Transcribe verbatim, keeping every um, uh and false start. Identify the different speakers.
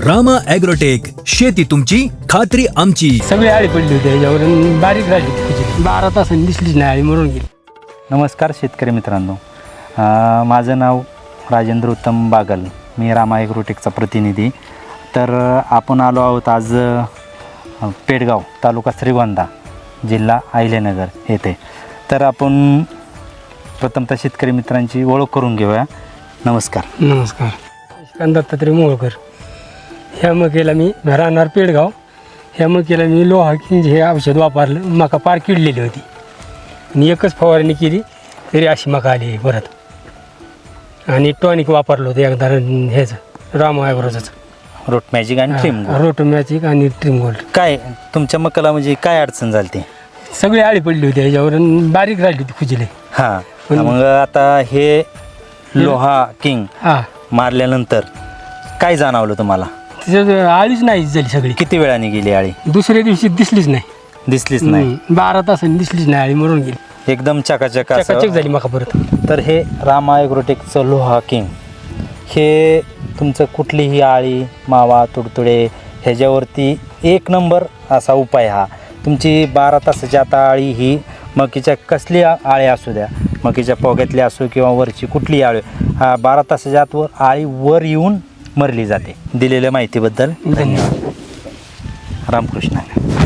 Speaker 1: Rama agrotech, शेती तुमची खात्री आमची.
Speaker 2: सगळी आळी पडली होती याच्यावर आणि बारीक राहिली होती कुजली. बारा तासांनी दिसलीच नाही, आळी मरून गेली.
Speaker 3: नमस्कार शेतकरी मित्रांनो, अ, माझं नाव राजेंद्र उत्तम बागल, मी रामा ॲग्रोटेकचा प्रतिनिधी. तर अ, आपण आलो आहोत आज अ, पेडगाव तालुका श्रीगोंदा जिल्हा अहिल्यानगर येथे. तर आपण प्रथमतः शेतकरी मित्रांची ओळख करून घेऊया. नमस्कार.
Speaker 2: नमस्कार. श्रीकांत दत्तात्रय मोहोळकर. ह्या मकेला मी राहणार पेडगाव. ह्या मकेला मी लोहा किंज हे औषध वापरलं, मका पार किडलेली होती आणि एकच फवारणी केली तरी अशी मका आली आहे परत. आणि टॉनिक वापरलं होतं एकदा ह्याचं रामा ॲग्रोचं,
Speaker 3: रोट मॅजिक आणि ट्रिम गोल्ड.
Speaker 2: रोटोमॅचिक आणि ट्रिम गोल्ड.
Speaker 3: काय तुमच्या मकाला म्हणजे काय अडचण झाली ती?
Speaker 2: सगळी आळी पडली होती याच्यावर आणि बारीक राहिली होती खुजली.
Speaker 3: हां, मग आता हे लोहा किंग
Speaker 2: हां,
Speaker 3: मारल्यानंतर काय जाणवलं तुम्हाला?
Speaker 2: तिच्यात आळीच नाही झाली सगळी.
Speaker 3: किती वेळाने गेली आळी?
Speaker 2: दुसऱ्या दिवशी दिसलीच नाही.
Speaker 3: दिसलीच नाही.
Speaker 2: हम्म, बारा तासांनी दिसलीच नाही, आळी मरून गेली.
Speaker 3: एकदम चकाचक असं.
Speaker 2: चकाचक झाली मका परत.
Speaker 3: तर हे रामा ॲग्रोटेकचं लोहा किंग हे तुमचं कुठलीही आळी मावा तुडतुडे ह्याच्यावरती एक नंबर असा उपाय. हा तुमची बारा तासाची आता आळी ही मकीच्या कसली आळी असू द्या, मकीच्या पोग्यातली असो किंवा वरची कुठली आळी, हा बारा तासाच्या आतवर आळी वर येऊन मरली जाते. दिलेल्या माहितीबद्दल धन्यवाद. रामकृष्ण.